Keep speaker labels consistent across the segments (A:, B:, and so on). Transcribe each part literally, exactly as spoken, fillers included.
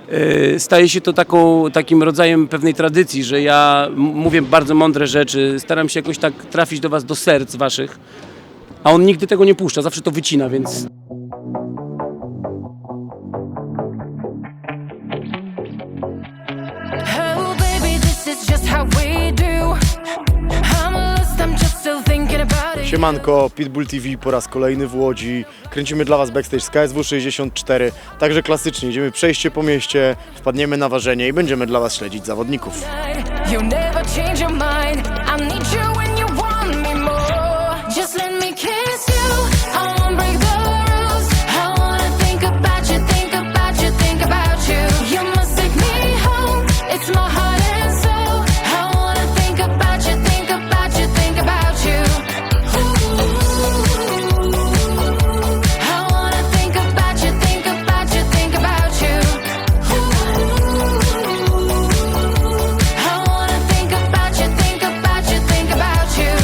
A: staje się to taką, takim rodzajem pewnej tradycji, że ja m- mówię bardzo mądre rzeczy, staram się jakoś tak trafić do was, do serc waszych, a on nigdy tego nie puszcza, zawsze to wycina, więc...
B: Oh baby, this is just how we do. I'm lost, I'm just still thinking about it.
C: Siemanko, Pitbull T V po raz kolejny w Łodzi. Kręcimy dla Was backstage z K S W sześćdziesiąt cztery. Także klasycznie, idziemy przejście po mieście, wpadniemy na ważenie i będziemy dla Was śledzić zawodników.
B: You never change your mind. I need you when you want me more. Just let me kiss you. I won't break the rules. I wanna think about you, think about you, think about you. You must take me home. It's my heart and soul. I wanna think about you, think about you, think about you. I wanna think about you, think about you, think about you. I wanna think about you, think about you, think about you.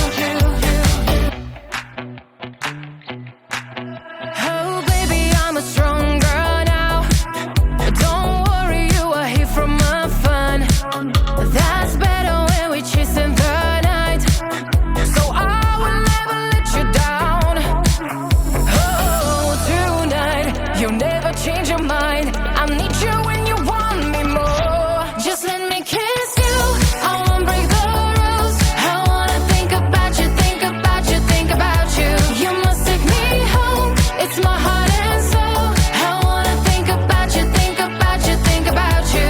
B: Oh baby, I'm a strong girl now. Don't worry, you are here from my fun. That's better when we chasing the night. So I will never let you down. Oh, tonight, you never change your mind. I need you when you want me more. Just let me kiss you. I won't break the rules. I wanna think about you, think about you, think about you. You must take me home. It's my heart and soul. I wanna think about you, think about you, think about you.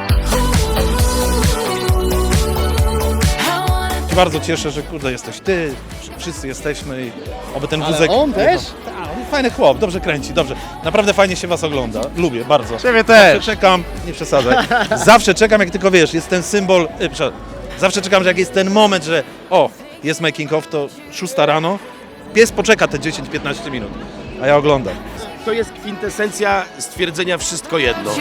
B: I wanna
D: się bardzo cieszę, że kurde jesteś ty, wszyscy jesteśmy i oby ten
E: Ale
D: wózek...
E: on też?
D: Tak, on fajny chłop, dobrze kręci, dobrze. Naprawdę fajnie się was ogląda, lubię bardzo.
C: Ciebie
D: Zawsze
C: też!
D: czekam, nie przesadzaj, zawsze czekam jak tylko wiesz, jest ten symbol, y, przepraszam, zawsze czekam, że jak jest ten moment, że o, jest making of, to szósta rano, pies poczeka te dziesięć piętnaście minut, a ja oglądam.
F: To jest kwintesencja stwierdzenia wszystko jedno.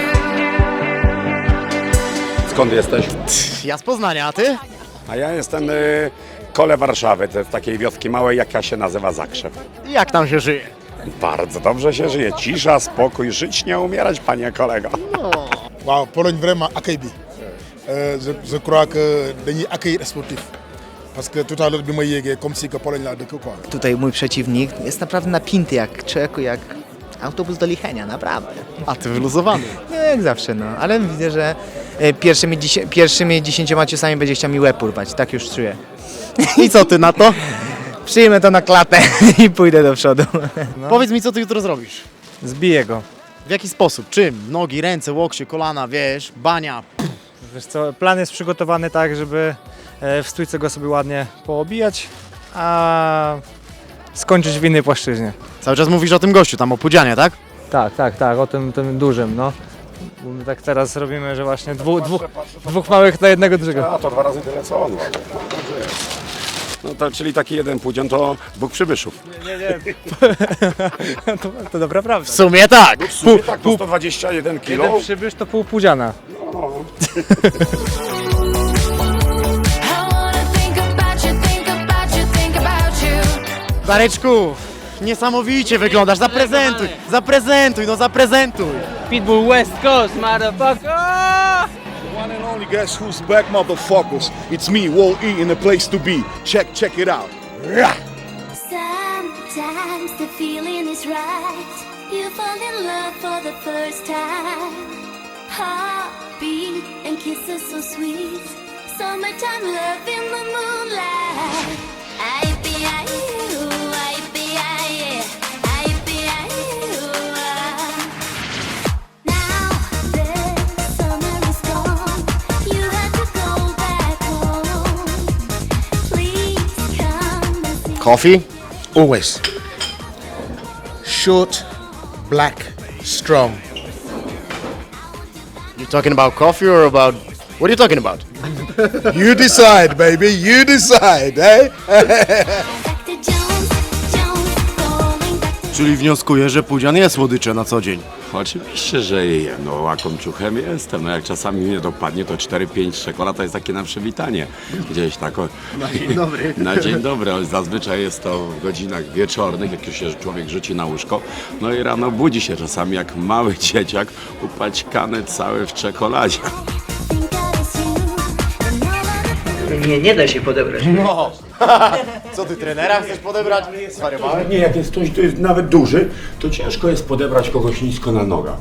G: Skąd jesteś?
E: Ja z Poznania, a ty?
G: A ja jestem y, kole Warszawy, to jest takiej wioski małej, jaka się nazywa Zakrzew.
E: Jak tam się żyje?
G: Bardzo dobrze się żyje, cisza, spokój, żyć nie umierać, panie kolego.
H: waaw Pologne vraiment accueil bi Euh, je je crois que dañuy accueillir sportif parce que tout à l'heure bi ma yéegee comme si que Pologne laa dëkk quoi.
I: Tutaj mój przeciwnik jest naprawdę napięty jak człowieku, jak autobus do Lichenia, naprawdę.
E: A ty wyluzowany.
I: Nie, jak zawsze, no, ale widzę, że e, pierwszymi, dziesię- pierwszymi dziesięcioma ciosami będzie chciał mi łeb urwać, tak już czuję.
E: I co ty na to?
I: Przyjmę to na klatę i pójdę do przodu.
E: Powiedz mi, co ty jutro zrobisz?
J: Zbiję go.
E: W jaki sposób? Czym? Nogi, ręce, łokcie, kolana, wiesz, bania.
J: Wiesz co, plan jest przygotowany tak, żeby e, w stójce go sobie ładnie poobijać, a skończyć w innej płaszczyźnie.
E: Cały czas mówisz o tym gościu, tam o Pudzianie, tak?
J: Tak, tak, tak, o tym, tym dużym, no. Bo my tak teraz robimy, że właśnie dwóch, dwóch, dwóch małych na jednego dużego.
G: A to dwa razy tyle co on. No to, czyli taki jeden pudzian to dwóch przybyszów.
J: Nie, nie, to, to dobra prawda.
E: W sumie tak.
G: W sumie tak, to sto dwadzieścia jeden kilo.
J: Jeden przybysz to pół pudziana.
B: I wanna think about you, think about you, think about you.
E: Dareczku, niesamowicie wyglądasz, zaprezentuj, zaprezentuj, no zaprezentuj.
A: Pitbull West Coast, motherfucker!
H: One and only, guess who's back, motherfuckers? It's me, Wall E, in the place to be. Check, check it out.
K: Sometimes the feeling is right. You fall in love for the first time. Heartbeat and kisses so sweet. Summertime love in the moonlight. I be I you, I be I, I be I you. Now the summer is gone. You have to go back home. Please come and see.
E: Coffee? Always. Short, black, strong. You talking about coffee or about... What are you talking about?
H: You decide, baby, you decide, eh?
K: Back to Jones, Jones, going back to
C: Czyli wnioskuję, że Pudzian je słodycze na co dzień.
G: Oczywiście, że je. No łakomczuchem jestem. No jak czasami mnie dopadnie, to cztery pięć czekolad to jest takie na przywitanie. Gdzieś tak o...
C: Na dzień dobry.
G: Na dzień dobry, ale zazwyczaj jest to w godzinach wieczornych, jak się człowiek rzuci na łóżko. No i rano budzi się czasami jak mały dzieciak, upaćkany cały w czekoladzie.
I: Nie, nie da się podebrać.
C: No. Co ty, trenera chcesz podebrać? Zwariowałeś?
G: Nie, jak jest ktoś, kto jest nawet duży, to ciężko jest podebrać kogoś nisko na nogach.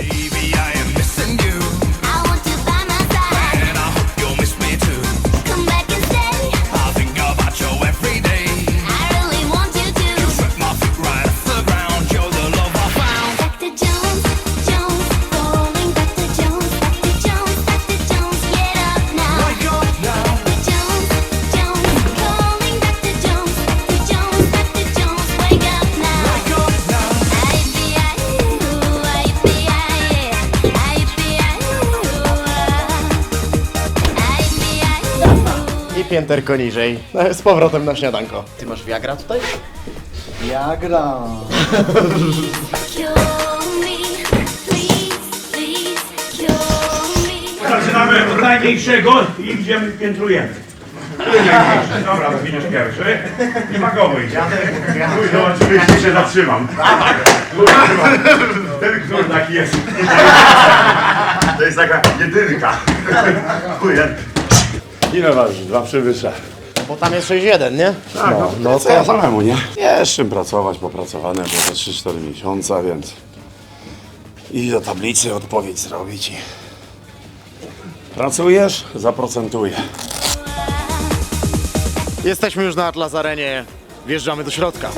K: I want you by my side. And I hope you'll miss me too. Come back and stay. I think about you every day. I really want you to. You set my feet right off the ground. You're the love I found. Back to Jones, Jones, going back to Jones, back to Jones, back to Jones. Get up now. Wake up now. Back to Jones, Jones, calling back to Jones, back to Jones, back to Jones. Wake up now. Wake up now. I be I you, I be I yeah. I be I you, I be I you.
C: I pięterko niżej. No, z powrotem na śniadanko. Ty masz Viagra tutaj? Viagra.
K: Cure me, please, please, cure me.
L: Zaczynamy od najmniejszego i idziemy, piętrujemy. Dobra, to widzisz pierwszy. I magowy idzie. No oczywiście się zatrzymam. Ten knur taki jest. To jest taka jedynka. Ile waży? Dwa przywyższe.
C: Bo tam jest sześć jeden, nie?
G: Tak, no, no co ja samemu, nie? Jest czym pracować, popracowane było te trzy cztery miesiące, więc i do tablicy odpowiedź zrobić i pracujesz, zaprocentuję.
C: Jesteśmy już na Atlas Arenie. Wjeżdżamy do środka.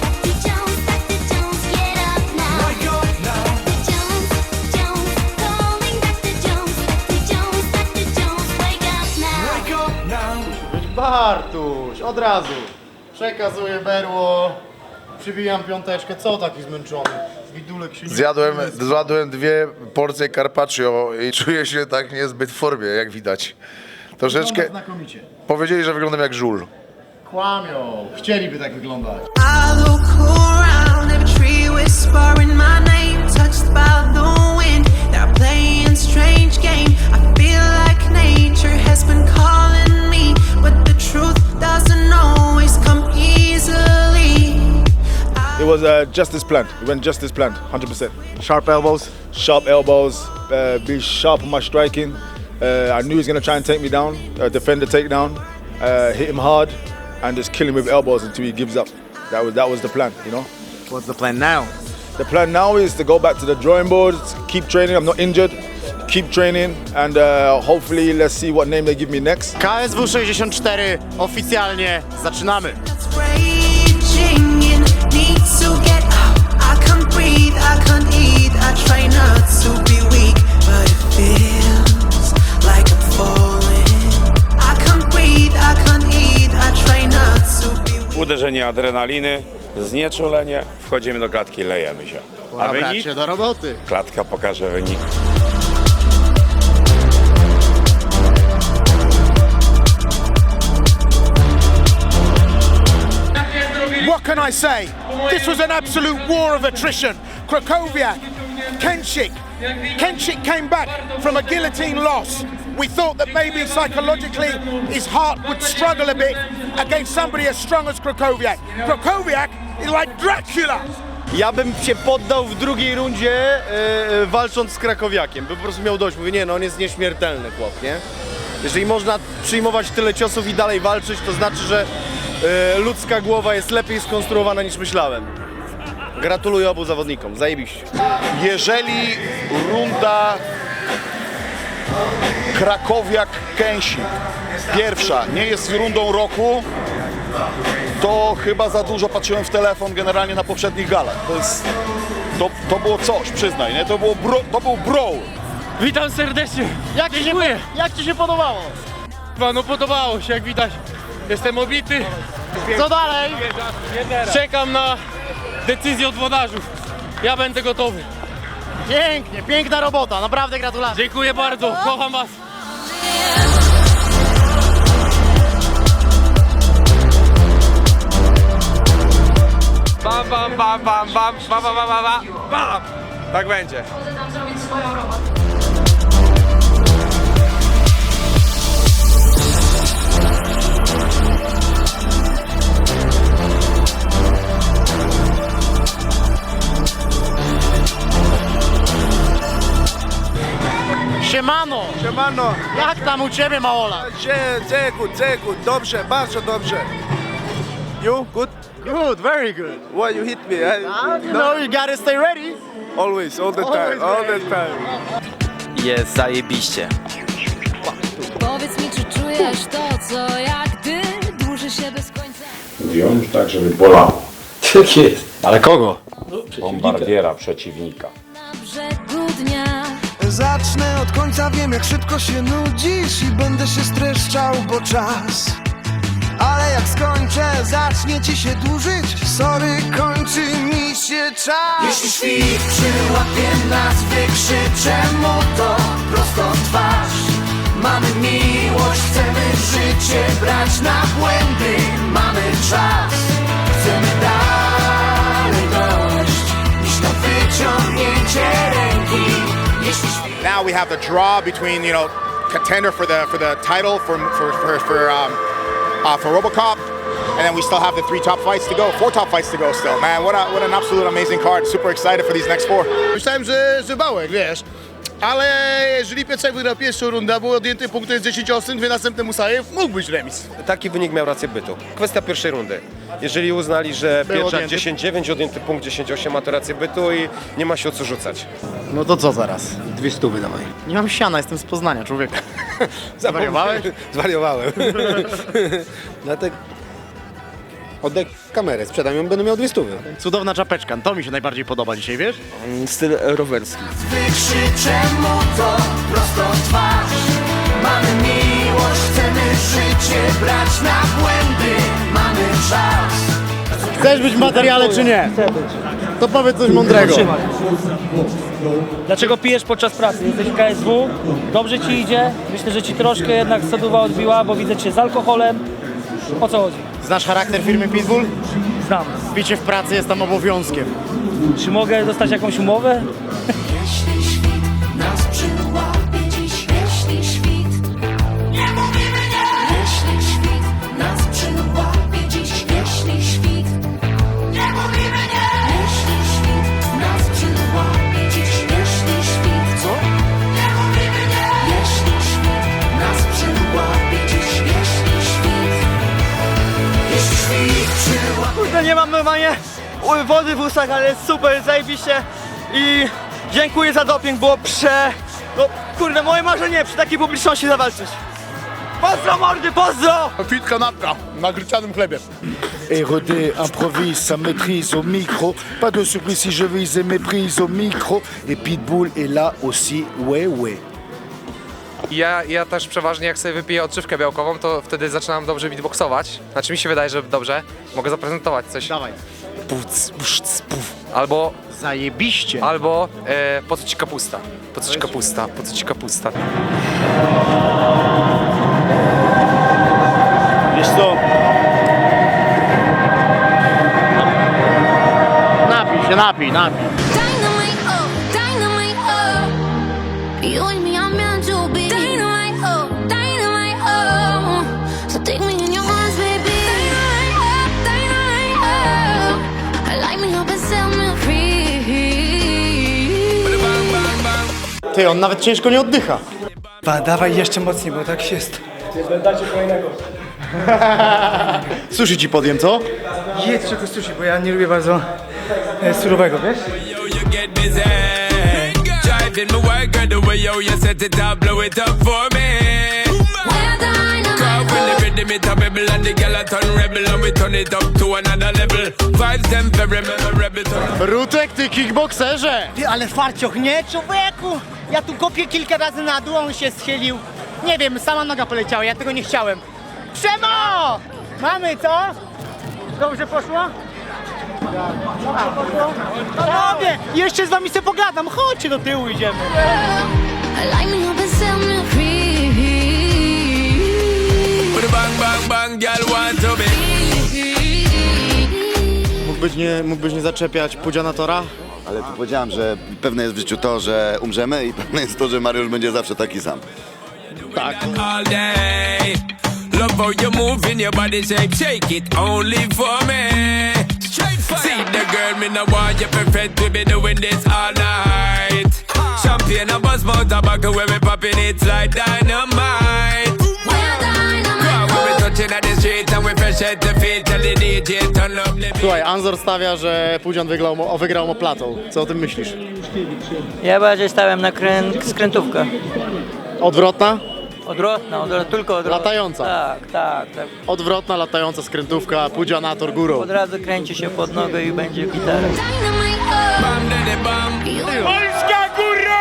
C: Bartuś, od razu. Przekazuję berło. Przybijam piąteczkę. Co taki zmęczony? Widulek się nie...
M: Zjadłem, zjadłem dwie porcje carpaccio i czuję się tak niezbyt w formie, jak widać. Troszeczkę...
C: Znakomicie.
M: Powiedzieli, że wyglądam jak żul.
C: Kłamią. Chcieliby tak wyglądać.
B: I look around, every tree whispering my name, touched by the wind. They're playing strange game. I feel like nature has been calling me, but the truth doesn't always come easily.
H: It was uh, just as planned. It went just as planned, one hundred percent.
C: Sharp elbows.
H: Sharp elbows, uh, be sharp on my striking. Uh, I knew he was going to try and take me down, uh, defend the takedown, uh, hit him hard, and just kill him with elbows until he gives up. That was that was the plan, you know.
C: What's the plan now?
H: The plan now is to go back to the drawing board, keep training. I'm not injured. Keep training, and uh, hopefully let's see what name they give me next.
C: K S W sześćdziesiąt cztery oficjalnie zaczynamy.
B: Raging and need to get out. I can't breathe, I can't eat. I try not to be weak, but it feels like I'm falling. I can't breathe, I can't eat. I try not to be weak.
G: Uderzenie adrenaliny, znieczulenie, wchodzimy do klatki, lejemy się. A
C: Dobra,
G: wynik?
C: się do roboty.
G: Klatka pokaże wynik.
L: What can I say? This was an absolute war of attrition. Krakowiak, Kenshik. Kenshik came back from a guillotine loss. We thought that maybe psychologically his heart would struggle a bit against somebody as strong as Krakowiak. Krakowiak is like Dracula.
C: Ja bym się poddał w drugiej rundzie yy, walcząc z Krakowiakiem, by po prostu miał dość. Mówię, nie no, on jest nieśmiertelny chłop, nie? Jeżeli można przyjmować tyle ciosów i dalej walczyć, to znaczy, że yy, ludzka głowa jest lepiej skonstruowana niż myślałem. Gratuluję obu zawodnikom, zajebiście.
M: Jeżeli runda Krakowiak-Kęsik pierwsza nie jest rundą roku, to chyba za dużo patrzyłem w telefon generalnie na poprzednich galach. To jest, to, to było coś, przyznaj, nie? To, było bro, to był brawl.
A: Witam serdecznie.
C: Jak ci się, jak ci się podobało?
A: No podobało się, jak widać. Jestem obity.
C: Co dalej?
A: Czekam na decyzję od włodarzów. Ja będę gotowy.
C: Pięknie, piękna robota, naprawdę gratulacje.
A: Dziękuję bardzo, kocham was. Bam, bam, bam, bam, bam, bam, bam, bam, bam.
N: Tak będzie.
E: Siemano!
C: Siemano!
E: Jak tam u ciebie, Maola?
C: Good, good, dobrze, bardzo dobrze. You, good?
E: Good, very good.
C: Why you hit me? I,
E: You know, you gotta stay ready.
C: Always, all the
E: Always
C: time, all the
E: ready.
C: time.
N: Jest zajebiście.
B: Powiedz mi, czy czujesz to, co jak gdy dłuży się bez końca.
G: Wziąć tak, żeby bolało.
A: Tak jest.
E: Ale kogo?
G: Bombardiera przeciwnika.
B: Na brzegu dnia.
L: Zacznę od końca, wiem jak szybko się nudzisz i będę się streszczał, bo czas. Ale jak skończę, zacznie ci się dłużyć. Sorry, kończy mi się czas. Jeśli świt przyłapie nas, wykrzyczę mu to prosto w twarz. Mamy miłość, chcemy życie brać na błędy. Mamy czas, chcemy dalej dojść niż to wyciągnięcie ręki.
O: Now we have the draw between, you know, contender for the for the title for for for for, um, uh, for RoboCop, and then we still have the three top fights to go, four top fights to go still. Man, what a, what an absolute amazing card. Super excited for these next four.
L: Myślałem, że, że Bałek, wiesz. Ale jeżeli Pietrzak wygrał pierwszą rundę, był odjęty punkty z dziesięć ostrych, dwie następne Musajew, mógł być remis.
N: Taki wynik miał rację bytu. Kwestia pierwszej rundy. Jeżeli uznali, że
E: Był
N: Pietrzak
E: odjęty.
N: dziesięć dziewięć, odjęty punkt dziesięć osiem ma to rację bytu i nie ma się o co rzucać.
E: No to co zaraz?
N: Dwie stówy dawaj.
E: Nie mam siana, jestem z Poznania, człowieku. Zwariowałeś?
N: Zwariowałem. Dlatego oddaj kamerę, sprzedam ją, będę miał dwie stówy.
E: Cudowna czapeczka, to mi się najbardziej podoba dzisiaj, wiesz?
N: Styl rowerski.
L: Wykrzyczę mu to prosto w twarz. Mamy miłość, chcemy życie brać na błędy. Mamy czas.
E: Chcesz być w materiale czy nie? Chcę być. To powiedz coś mądrego.
J: Dlaczego pijesz podczas pracy? Jesteś w K S W, dobrze ci idzie, myślę, że ci troszkę jednak soduwa odbiła, bo widzę cię z alkoholem. O co chodzi?
E: Znasz charakter firmy Pitbull?
J: Znam.
E: Picie w pracy jest tam obowiązkiem.
J: Czy mogę dostać jakąś umowę?
L: Jeśli świt nas przyłapie dziś, jeśli świt nie mówimy nie. Jeśli świt nas przyłapie dziś, jeśli świt nie mówimy nie. Jeśli świt nas przyłapie dziś, jeśli świt co? Nie mówimy nie. Jeśli świt nas przyłapie dziś, jeśli świt jeśli świt przyłapie.
J: Kurde, nie mam normalnie wody w ustach, ale jest super, zajebiście i dziękuję za doping, było prze... No kurde, moje marzenie przy takiej publiczności zawalczyć. Pozdro mordy, pozdro!
L: Fit kanapka na gryczanym chlebie.
P: R E D improvise sa maîtrise au micro. Pas de surprise si je vise et méprise au micro. Et Pitbull est là aussi, ouais ouais.
Q: Ja, ja też przeważnie jak sobie wypiję odżywkę białkową, to wtedy zaczynam dobrze beatboxować. Znaczy mi się wydaje, że dobrze. Mogę zaprezentować coś.
E: Dawaj.
Q: Puc, pusz, puf. Albo...
E: Zajebiście.
Q: Albo e, po co ci kapusta? Po co ci kapusta? Po co ci kapusta?
C: Wiesz co?
E: Napij się, napij, napij.
B: Dynamite, oh, dynamite, oh. You and me are meant to be. Dynamite, oh, dynamite, oh. So take me in your arms, baby. Dynamite, oh, dynamite, oh. Light me up and set me free.
E: Ty, on nawet ciężko nie oddycha.
J: Ba, dawaj jeszcze mocniej, bo tak jest. Dajcie kolejnego.
E: Sushi ci podjem, co?
J: Jedz czegoś sushi, bo ja nie lubię bardzo e, surowego, wiesz?
K: Driving my work, girl, the way yo, you set it up, blow it up for me. Cause when the rhythm it a rebel and the girl a turn rebel and we turn it up to another level. Vibes them very memorable.
E: Rutek, ty kickbokserze!
R: Ty, ale farcioch, nie, człowieku! Ja tu kopię kilka razy na dół, on się schylił. Nie wiem, sama noga poleciała, ja tego nie chciałem. Przemo! Mamy, co? Dobrze poszło? Dobrze poszło? Panowie, jeszcze z wami sobie pogadam, chodźcie do tyłu, idziemy.
B: Light me up and set me free.
K: Bang, bang, bang, girl want to be.
E: Mógłbyś nie, mógłbyś nie zaczepiać Pudziana Tora?
S: Ale tu powiedziałem, że pewne jest w życiu to, że umrzemy i pewne jest to, że Mariusz będzie zawsze taki sam.
L: Tak.
T: All day. Love how you move in your body shape, shake it only for me. Straight fire. See the girl, me no want you perfect, we be doing this all night. Champagne and buzz mouth tobacco, where we popping it like dynamite. When we touching at the street and we fresh at the feet, tell the D J turn up the beat.
E: Słuchaj, Anzor stawia, że Pudzian wygrał, mo- wygrał moplatą. Co o tym myślisz?
U: Ja bardziej stałem na krę- skrętówkę.
E: Odwrotna?
U: Odwrotna, odwrotna, tylko odwrotna.
E: Latająca.
U: Tak, tak, tak.
E: Odwrotna, latająca skrętówka, Pudzianator górą.
U: Od razu kręci się pod nogę i będzie gitara.
L: Polska górą!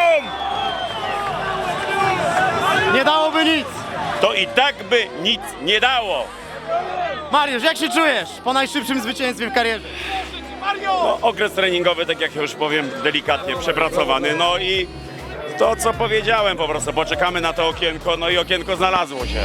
E: Nie dałoby nic!
V: To i tak by nic nie dało.
E: Mariusz, jak się czujesz po najszybszym zwycięstwie w karierze?
V: No, okres treningowy, tak jak już powiem, delikatnie przepracowany. No i to, co powiedziałem po prostu, poczekamy na to okienko, no i okienko znalazło się.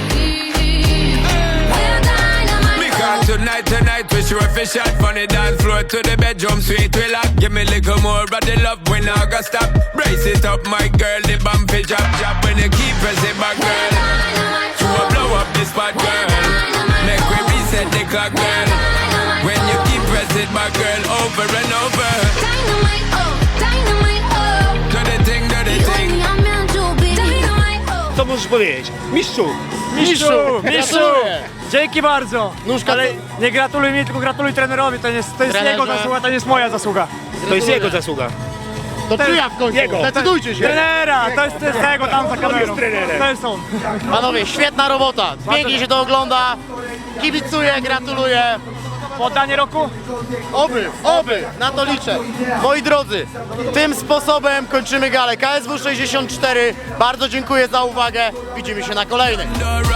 T: Because tonight, tonight, we sure fish out from the dance floor to the bedroom suite. We lock, give me a little more of the love when I got stop. Brace it up, my girl, the bump is drop, drop. When you keep pressing back, girl, you will blow up this spot, girl. Make we reset the clock, girl. When you keep pressing back, girl, over and over.
B: Dynamite, oh, dynamite, oh.
T: Do the thing, do the thing.
B: I'm meant to be. Dynamite, oh.
V: Co możesz powiedzieć? Mistrzu!
R: Mistrzu, mistrzu!
E: Gratuluję.
R: Dzięki bardzo!
E: Nóżka
R: Ale nie gratuluj mi, tylko gratuluj trenerowi, to jest, to jest
E: Trenerze.
R: jego zasługa, to nie jest moja zasługa.
V: To jest jego zasługa.
E: To czyja w końcu?
R: Jego.
E: Decydujcie się!
R: Trenera, to jest, to jest tego tam za kamerą. To jest on.
E: Panowie, świetna robota, pięknie się to ogląda, kibicuję, gratuluję.
R: Poddanie roku?
E: Oby, oby, na to liczę. Moi drodzy, tym sposobem kończymy galę K S W sześćdziesiąt cztery. Bardzo dziękuję za uwagę, widzimy się na kolejnej.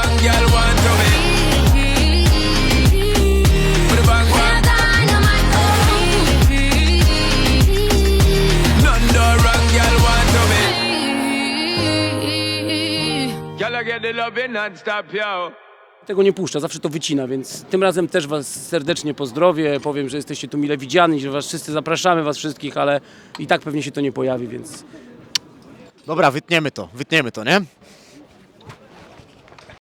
A: Tego nie puszcza, zawsze to wycina, więc tym razem też was serdecznie pozdrowię, powiem, że jesteście tu mile widziani, że was wszyscy zapraszamy, was wszystkich, ale i tak pewnie się to nie pojawi, więc
E: Dobra, wytniemy to, wytniemy to, nie?